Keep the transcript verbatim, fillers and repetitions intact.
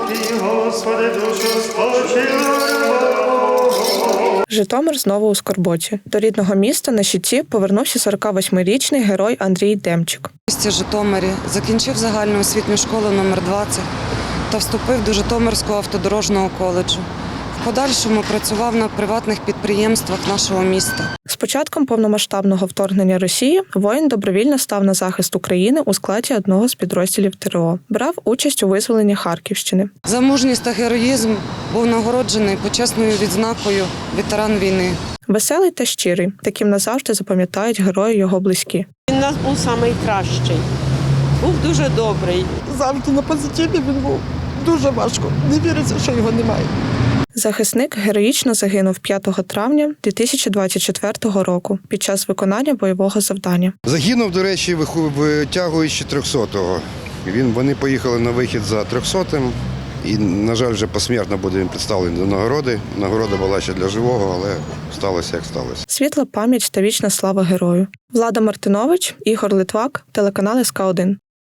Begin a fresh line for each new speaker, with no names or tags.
Господи, душу спочила.
Житомир знову у скорботі. До рідного міста на щиті повернувся сорокавосьмирічний герой Андрій Демчик.
В місті Житомирі закінчив загальну освітню школу номер двадцять та вступив до Житомирського автодорожного коледжу. В подальшому працював на приватних підприємствах нашого міста.
З початком повномасштабного вторгнення Росії воїн добровільно став на захист України у складі одного з підрозділів ТрО. Брав участь у визволенні Харківщини.
За мужність та героїзм був нагороджений почесною відзнакою ветеран війни.
Веселий та щирий. Таким назавжди запам'ятають герої його близькі.
Він у нас був найкращий. Був дуже добрий.
Завжди на позитиві він був. Дуже важко. Не віриться, що його немає.
Захисник героїчно загинув п'ятого травня дві тисячі двадцять четвертого року під час виконання бойового завдання.
Загинув, до речі, витягуючи трьохсотого. Він, вони поїхали на вихід за трьохсотим. І, на жаль, вже посмертно буде їм представлений до нагороди. Нагорода була ще для живого, але сталося, як сталося.
Світла пам'ять та вічна слава герою. Влада Мартинович, Ігор Литвак, телеканал ес ка один.